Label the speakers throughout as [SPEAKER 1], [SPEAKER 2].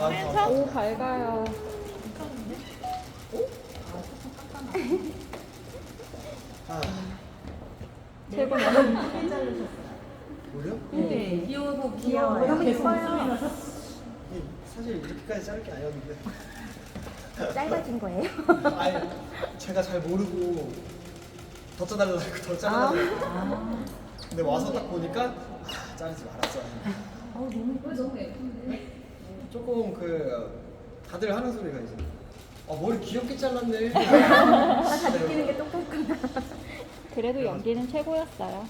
[SPEAKER 1] 오, 밝아요.
[SPEAKER 2] 아,
[SPEAKER 1] 최고 너무
[SPEAKER 2] 뭐요?
[SPEAKER 3] 네. 귀여워.
[SPEAKER 1] 귀여워요. 너무 예뻐요.
[SPEAKER 2] 이 사실 이렇게까지 자를 게 아니었는데.
[SPEAKER 1] 짧아진 거예요?
[SPEAKER 2] 아니, 제가 잘 모르고 더 짜달라고 더 짜달라고. 근데 와서 딱 보니까 자르지 말았어.
[SPEAKER 3] 너무 예쁜데.
[SPEAKER 2] 조금 다들 하는 소리가 이제 머리 귀엽게 잘랐네.
[SPEAKER 1] 다 느끼는 게 똑같구나. 그래도 연기는 최고였어요.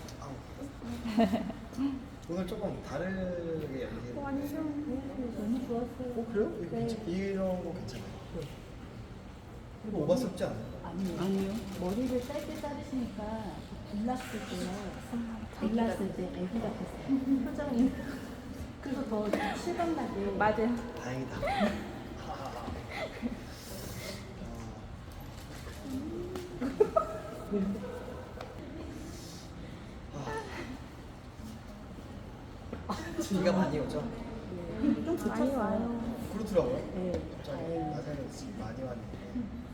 [SPEAKER 2] 오늘 조금 다르게 연기했는데.
[SPEAKER 1] 완전
[SPEAKER 3] 너무 좋았어요.
[SPEAKER 2] 그래요? 이거 이런 거 괜찮아요. 이거 오바스럽지 않아요?
[SPEAKER 3] 아니요. 머리를 짧게 자르시니까 빌랐을 때 애기 같았어요. 표정이. 그래서 더 실감나게.
[SPEAKER 1] 맞아요.
[SPEAKER 2] 다행이다. 비가 많이 오죠?
[SPEAKER 3] 좀
[SPEAKER 1] 많이 와요.
[SPEAKER 2] 그렇더라고요.
[SPEAKER 3] 네.
[SPEAKER 2] 갑자기 낮에는 지금 많이 왔는데.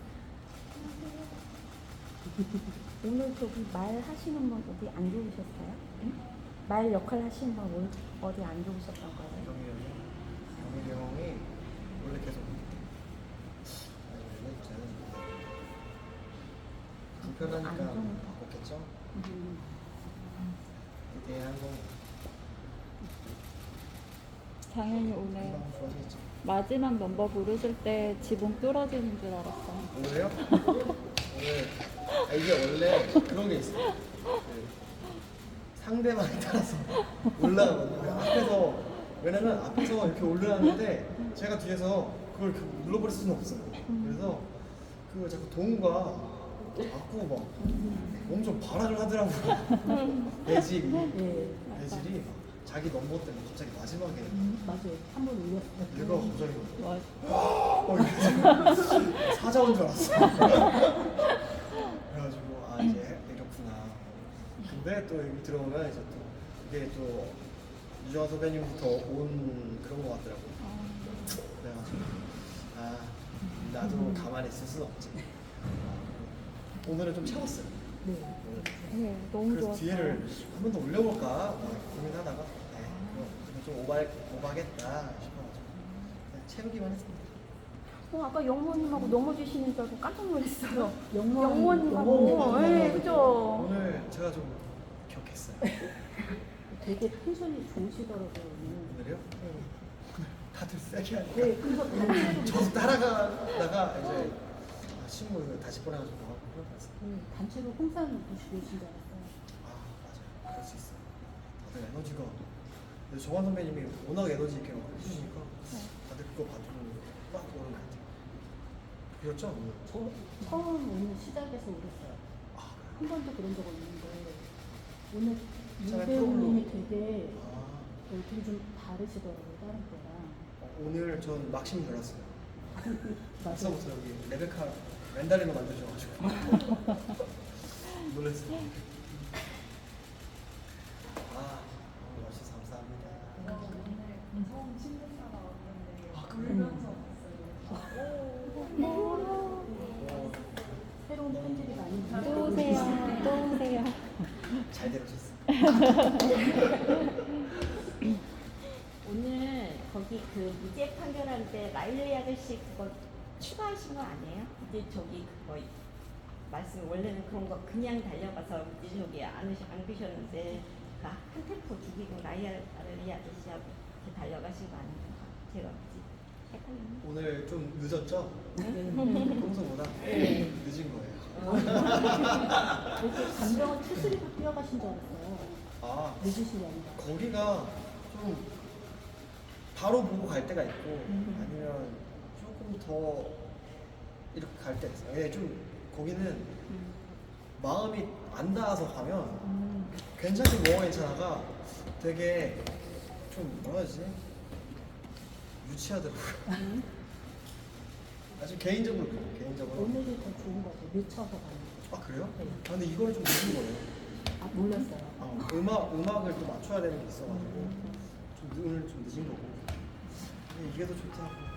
[SPEAKER 1] 오늘 저기 말 하시는 분 어디 안 좋으셨어요? 응? 말 역할 하시는 분 어디 안 좋으셨던 거예요?
[SPEAKER 2] 경일이 형이 원래 계속 원래 저는 불편하니까
[SPEAKER 1] 안 좋은
[SPEAKER 2] 바꿨겠죠? 이대 항공
[SPEAKER 1] 당연히 오늘
[SPEAKER 2] 금방 좋아지겠죠?
[SPEAKER 1] 마지막 넘버 부르실 때 지붕 뚫어지는 줄 알았어요.
[SPEAKER 2] 오늘요? 오늘 이게 원래 그런 게 있어요. 상대방에 따라서 올라가거든요. 왜냐면 앞에서 이렇게 올라가는데 제가 뒤에서 그걸 눌러버릴 수는 없어요. 그래서 자꾸 동우가 자꾸 몸 좀 발악을 하더라고요. 내질이 막 자기 넘버 때문에 갑자기 마지막에
[SPEAKER 3] 맞아요. 한 번 올렸어요.
[SPEAKER 2] 얘가 갑자기 사자 온 줄 알았어. 그래가지고 이제 이렇구나. 근데 또 여기 들어오면 이제 또 이게 또 유정환 선배님부터 온 그런 거 같더라고요. 그래가지고 나도 가만히 있을 수는 없지. 오늘은 좀 채웠어요.
[SPEAKER 1] 네, 너무
[SPEAKER 2] 그래서
[SPEAKER 1] 좋았어요.
[SPEAKER 2] 뒤에를 한 번 더 올려볼까 고민하다가 그럼 좀 오바겠다 싶어가지고 그냥 채우기만 했습니다.
[SPEAKER 1] 아까 영모님하고 넘어지시는 줄 알고 깜짝 놀랐어요.
[SPEAKER 3] 영모님하고.
[SPEAKER 1] 영모님하고. 네, 그죠?
[SPEAKER 2] 오늘 제가 좀 기억했어요.
[SPEAKER 3] 되게 텐션이 좋으시더라고요. 오늘.
[SPEAKER 2] 오늘요? 다들 세게 하니까
[SPEAKER 3] 네, 그래서 단체로
[SPEAKER 2] 저도 따라가다가 이제 신문 다시 보내가지고 나가고 그런 거 같았어요.
[SPEAKER 3] 단체로 홍삼 드시고 계신 줄 알았어요.
[SPEAKER 2] 맞아요. 그럴 수 있어요. 다들 에너지가 근데 정환 선배님이 워낙 에너지 있게 막 해주시니까 다들 그거 받고 막 오는 것 같아요. 그렇죠?
[SPEAKER 3] 저 처음 오늘 시작해서 울었어요. 한 번도 그런 적 없는데 오늘 유배우님이 되게 되게 좀 다르시더라고요. 다른 때랑.
[SPEAKER 2] 오늘 전 막심이 들었어요.
[SPEAKER 3] 맞아요.
[SPEAKER 2] 벌써부터 여기 레베카 맨다린을 만드셔가지고 놀랐어요. 와주셔서 감사합니다.
[SPEAKER 4] 처음 신문사가 왔는데
[SPEAKER 2] 그래요?
[SPEAKER 4] 울면서 봤어요.
[SPEAKER 3] 새로운 편집이 많이
[SPEAKER 1] 또 오세요. 또 오세요.
[SPEAKER 2] 잘 들으셨어요.
[SPEAKER 5] 오늘 거기 그 무죄 판결할 때 라일리 아저씨 그거 추가하신 거 아니에요? 이제 저기 그거 말씀 원래는 그런 거 그냥 달려가서 이제 저기 안 그셨는데 그 한 템포 죽이고 라일리 아저씨하고 이렇게 달려가신 거 아닌가? 제가 헷갈렸네.
[SPEAKER 2] 오늘 좀 늦었죠? 평소보다 늦은 거예요.
[SPEAKER 3] 이렇게 감정을 추스리고 뛰어가신 줄 알았어요. 늦으신 게 아니라.
[SPEAKER 2] 거기가 좀 바로 보고 갈 때가 있고 아니면 조금 더 이렇게 갈 때가 있어요. 예, 좀 거기는 마음이 안 닿아서 가면 괜찮긴 뭐가 괜찮아가 되게 좀 뭐라 해야지 유치하더라고요. 아주 개인적으로 그래요. 개인적으로.
[SPEAKER 3] 오늘이 더 좋은 것 같아요. 늦춰서 가는 거.
[SPEAKER 2] 그래요? 근데 이거는 좀 늦은 거예요.
[SPEAKER 3] 몰랐어요.
[SPEAKER 2] 음악을 또 맞춰야 되는 게 있어가지고 오늘 좀 늦은 거고 이게 더 좋다.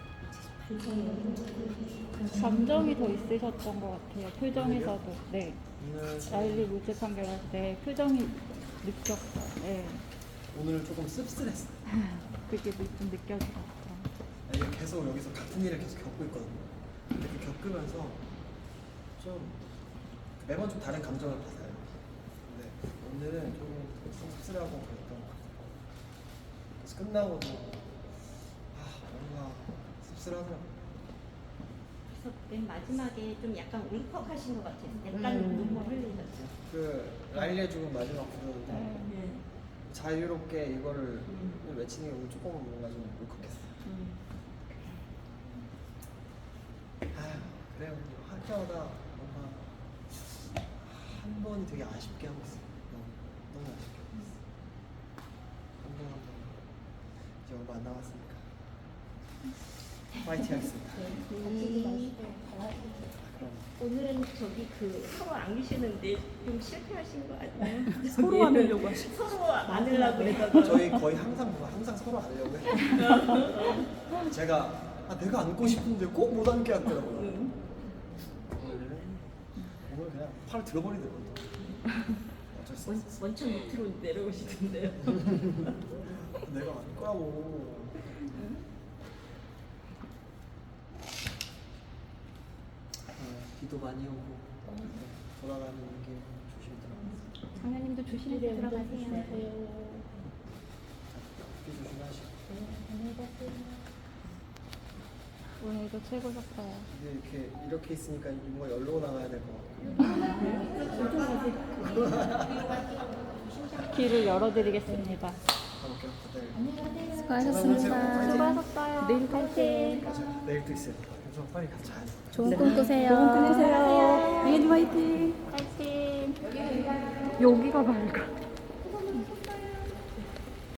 [SPEAKER 6] 감정이 더 있으셨던 것 같아요. 표정에서도. 네.
[SPEAKER 2] 오늘
[SPEAKER 6] 라일리 무죄 판결할 때 표정이 느꼈어요. 네.
[SPEAKER 2] 오늘 조금 씁쓸했어.
[SPEAKER 6] 그게 좀 느껴지더라고요.
[SPEAKER 2] 이게 계속 여기서 같은 일을 계속 겪고 있거든요. 근데 그 겪으면서 좀 매번 좀 다른 감정을 받아요. 근데 오늘은 조금 씁쓸하고 그랬던 것 같아요. 그래서 끝나고도 뭔가 씁쓸하더라고요.
[SPEAKER 5] 그래서 맨 마지막에 좀 약간 울컥하신 것 같아요. 약간 눈물 흘리셨죠.
[SPEAKER 2] 그 라일리의 죽음 마지막 구조인데
[SPEAKER 5] 네.
[SPEAKER 2] 자유롭게 이거를 외치는 게 오늘 조금 뭔가 좀 울컥했어요. 그래요. 할 때마다 뭔가 한 번이 되게 아쉽게 하고 있어요. 너무 아쉽게 하고 있어요. 한 번 이제 얼마 안 남았으니까 파이팅 하겠습니다.
[SPEAKER 3] 다치지 마시고 잘하시고.
[SPEAKER 2] 그럼
[SPEAKER 5] 오늘은 저기 그 서로 안기시는데 좀 실패하신 거 아니에요?
[SPEAKER 3] 서로 안으려고 하시고.
[SPEAKER 5] 서로 안으려고 했다가
[SPEAKER 2] 저희 거의 항상 서로 안으려고 해요. 제가 내가 안고 싶은데 꼭 못 안게 하더라고요. 오늘 그냥 팔을 들어버리더라고요. 어쩔 수 없어.
[SPEAKER 5] 원천 밑으로 내려오시던데요.
[SPEAKER 2] 내가 안 거라고. 비도 많이 오고 돌아가는 게 조심히 들어가세요.
[SPEAKER 1] 장현님도 조심해서
[SPEAKER 3] 네,
[SPEAKER 1] 들어가세요.
[SPEAKER 3] 조심하세요.
[SPEAKER 2] 비 조심하시고.
[SPEAKER 3] 안녕히 가세요.
[SPEAKER 6] 오늘도 최고셨어요.
[SPEAKER 2] 이게 이렇게 있으니까 뭔가 열로 나가야 될 것 같고.
[SPEAKER 6] 길을 열어드리겠습니다.
[SPEAKER 2] 가볼게요. 다들.
[SPEAKER 1] 수고하셨습니다.
[SPEAKER 6] 수고하셨어요.
[SPEAKER 1] 내일 파이팅.
[SPEAKER 2] 맞아요. 내일 또 있어요. 그래서 빨리 가자.
[SPEAKER 1] 좋은 꿈 꾸세요. 좋은 꿈 꾸세요. 장현님 화이팅.
[SPEAKER 6] 파이팅. 여기가 밝아.